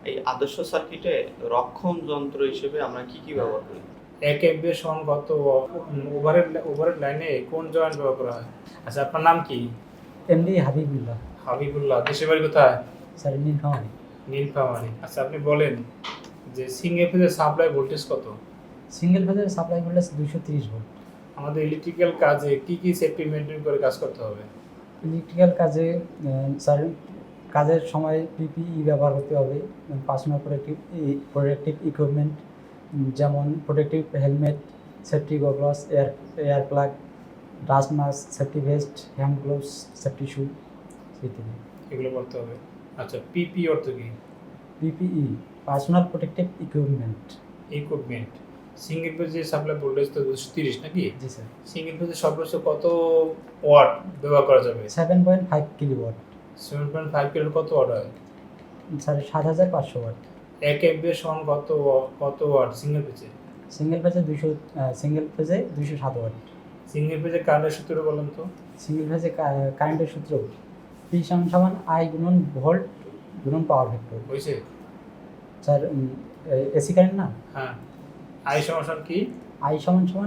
এই আদর্শ সার্কিটে রক্ষণ যন্ত্র হিসেবে আমরা কি কি ব্যবহার করি? এক এমবিএ সঙ্গত ওভারের লাইনে কোন জয়েন্ট ব্যবহার করা হয়? আচ্ছা, আপনার নাম কি? এমডি হাবিবুল্লাহ। হাবিবুল্লাহ। দেশের বাড়ি কোথায়? স্যার নীলফামারী। নীলফামারী। আচ্ছা, আপনি বলেন যে সিঙ্গেল ফেজের সাপ্লাই ভোল্টেজ কত? সিঙ্গেল ফেজের সাপ্লাই ভোল্টেজ 230 ভোল্ট। আমাদের ইলেকট্রিক্যাল কাজে কি কি সেফটি মেনটেন করে কাজ করতে হবে? ইলেকট্রিক্যাল কাজে স্যার কাজের সময় পিপিই ব্যবহার করতে হবে, পার্সোনাল প্রোটেক্টিভ ইকুইপমেন্ট, যেমন protective helmet, safety goggles, air plug, dust mask, safety vest, hand gloves, safety shoe ইত্যাদি। এগুলো করতে হবে। আচ্ছা, পিপি অর্থ কি? PPE personal protective equipment. Equipment. Single ফেজের সাপ্লাই ভোল্টেজ তো 230 নাকি? জি স্যার। সিঙ্গেল ফেজের সর্বোচ্চ কত ওয়াট ব্যবহার করা যাবে? 7.5 কিলোওয়াট। 7.5 কিলো কত ওয়াট হয়? Sir 7500 watt. এক এমবিএ সমান কত ওয়াট সিঙ্গেল ফেজে? সিঙ্গেল ফেজে 207 ওয়াট। সিঙ্গেল ফেজে কারেন্টের সূত্র বলেন তো। সিঙ্গেল ফেজে কারেন্টের সূত্র পি সমান আই গুণন ভোল্ট গুণন পাওয়ার ভেক্টর। হয়েছে? স্যার এসি কারেন্ট না? হ্যাঁ। আই সমান কি? আই সমান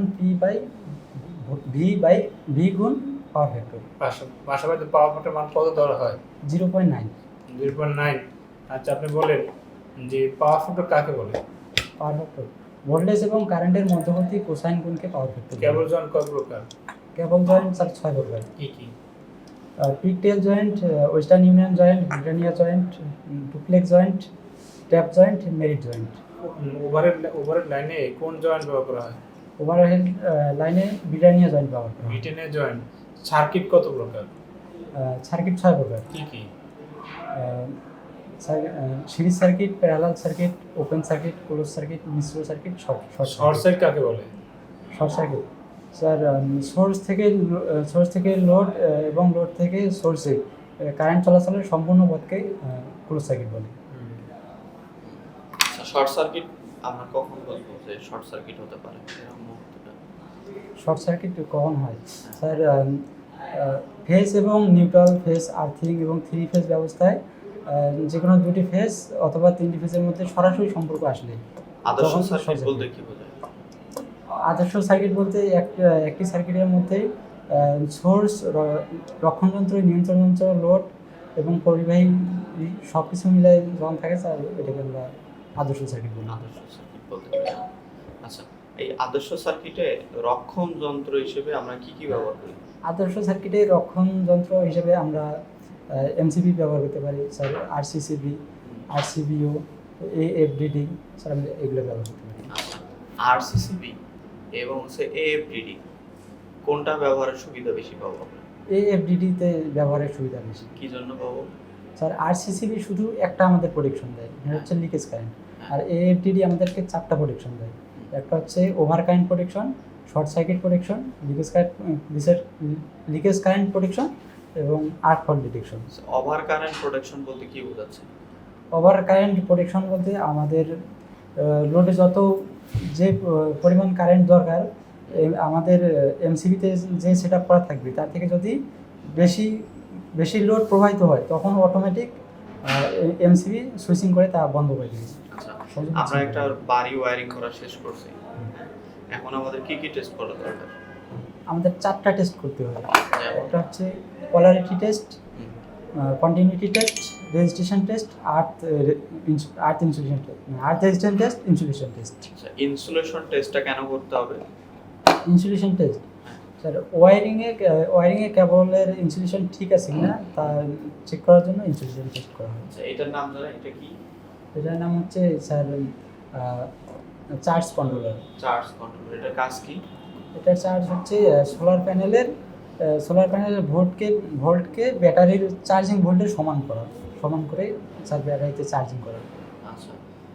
ভি গুণ পাওয়ার ভেক্টর। পাশাপাশি পাওয়ার ফ্যাক্টর মান কত ধরা হয়? 0.9। 0.9। আচ্ছা, আপনি বলেন যে পাওয়ার ফ্যাক্টর কাকে বলে? পাওয়ার ভেক্টর ভোল্টেজ এবং কারেন্টের মধ্যবর্তী কোসাইন গুণকে পাওয়ার ভেক্টর। কেবল জয়েন্ট কয় প্রকার? কেবল জয়েন্ট স্যার 6 প্রকার। কি কি? Pigtail joint, western union joint, britannia joint, duplex joint, tap joint, married joint. ওভারের লাইনে কোন জয়েন্ট ব্যবহার করা হয়? ওভারহেড লাইনে ব্রিটানিয়া জয়েন্ট ব্যবহার করা হয়। ব্রিটেনের জয়েন্ট। সার্কিট কত প্রকার? সার্কিট 6 প্রকার। কি কি? Series circuit, parallel circuit, open circuit, close circuit, মিশ্র সার্কিট, শর্ট শর্ট সার্কিট কাকে বলে? শর্ট সার্কিট স্যার সোর্স থেকে লোড এবং লোড থেকে সোর্সে কারেন্ট চলাচলের সম্পূর্ণ পথকে ক্লোজ সার্কিট বলে। শর্ট সার্কিট আমরা কখন বলবো যে শর্ট সার্কিট হতে পারে এরকম মুহূর্তটা? শর্ট সার্কিট কখন হয় স্যার? ফেজ এবং নিউট্রাল ফেজ, আর্থিং এবং 3 ফেজ ব্যবস্থায় যে কোনো 2টি ফেজ অথবা 3টি ফেজের মধ্যে সরাসরি সম্পর্ক আসলে আদর্শ সার্কিট বলতে কি বোঝায়? আদর্শ সার্কিট বলতে একটি সার্কিটের মধ্যে সোর্স, রক্ষণযন্ত্র, নিয়ন্ত্রণ যন্ত্র, লোড এবং পরিবাহী সব কিছু মিলে যখন থাকে স্যার এটাকে আমরা আদর্শ সার্কিট বলি। আদর্শ সার্কিট বলতে পারি। আচ্ছা, এই আদর্শ সার্কিটে রক্ষণ যন্ত্র হিসেবে আমরা কি কি ব্যবহার করি? আদর্শ সার্কিটে রক্ষণ যন্ত্র হিসেবে আমরা এমসিবি ব্যবহার করতে পারি sir, RCCB, RCBO, AFDD sir, আমরা এগুলো ব্যবহার করতে পারি। আচ্ছা, আরসিসিবি এবং এএফডিডি কোনটা ব্যবহারের সুবিধা বেশি পাবো আমরা? এএফডিডিতে ব্যবহারের সুবিধা বেশি। কি জন্য পাবো? স্যার আরসিসিবি শুধু একটা আমাদের প্রোটেকশন দেয়, এটা হচ্ছে লিকেজ কারেন্ট, আর এএফডিডি আমাদেরকে 4টা প্রোটেকশন দেয়। একটা হচ্ছে over current protection, short circuit protection, leakage current protection এবং arc fault detection. Over current protection বলতে কি বোঝাচ্ছে? ওভার কারেন্ট প্রোটেকশন বলতে আমাদের লোডে যত যে পরিমাণ কারেন্ট দরকার আমাদের এমসিবিতে যে সেট আপ করা থাকবে তার থেকে যদি বেশি লোড প্রবাহিত হয় তখন অটোমেটিক এমসিবি সুইচিং করে তা বন্ধ করে দেবে। আচ্ছা, আমরা একটা বাড়ি ওয়্যারিং করা শেষ করছি, এখন আমাদের কি কি টেস্ট করা দরকার? আমাদের 4টা টেস্ট করতে হবে। একটা হচ্ছে polarity test, continuity test, registration test, earth insulation test, earth resistance test, insulation test. আচ্ছা, ইনসুলেশন টেস্টটা কেন করতে হবে? ইনসুলেশন টেস্ট স্যার ওয়্যারিংয়ে কেবলের ইনসুলেশন ঠিক আছে কিনা তা চেক করার জন্য ইনসুলেশন টেস্ট করা হয়। আচ্ছা, এটার নাম জানেন? এটা কি? এটার নাম হচ্ছে sir charge controller. Charge control. এটার কাজ কি? এটার চার্জ হচ্ছে সোলার প্যানেলের ভোল্টকে ব্যাটারির চার্জিং ভোল্টের সমান করে স্যার ব্যাটারিতে চার্জিং করা। আচ্ছা,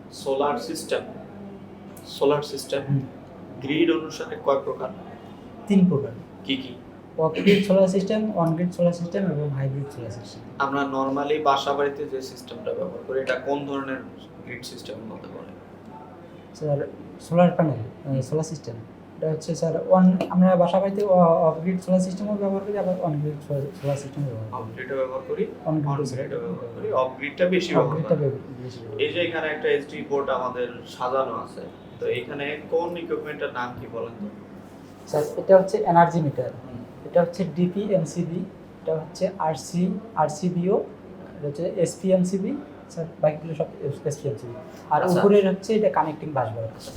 সোলার সিস্টেম গ্রিড অনুসারে কয় প্রকার? 3 প্রকার। কি কি? Off grid solar system, on grid solar system এবং হাইব্রিড সোলার সিস্টেম। আমরা নর্মালি বাসা বাড়িতে যে সিস্টেমটা ব্যবহার করি এটা কোন ধরনের গ্রিড সিস্টেমের মধ্যে পড়ে? Sir solar panel solar system এটা হচ্ছে স্যার আমরা বাসা বাড়িতে অফ গ্রিড সোলার সিস্টেমও ব্যবহার করি, আবার অন গ্রিড সোলার সিস্টেমও ব্যবহার অফ করি। গ্রিডও ব্যবহার করি, অন অন গ্রিড গ্রিডও ব্যবহার করি। অফ গ্রিডটা বেশি অফ ব্যবহার গ্রিডটা করি। বেশি এই যে এখানে একটা এসডি বোর্ড আমাদের সাজানো আছে, তো এখানে কোন ইকুইপমেন্টের নাম কি বলেন তো? স্যার এটা হচ্ছে এনার্জি মিটার, এটা হচ্ছে ডিপি এমসিবি, এটা হচ্ছে আরসিবিও, এটা হচ্ছে এসপিএমসিবি, স্যার বাকিগুলো সব এসপিএমসিবি। আর আচ্ছা। উপরের হচ্ছে এটা কানেক্টিং বাসবার।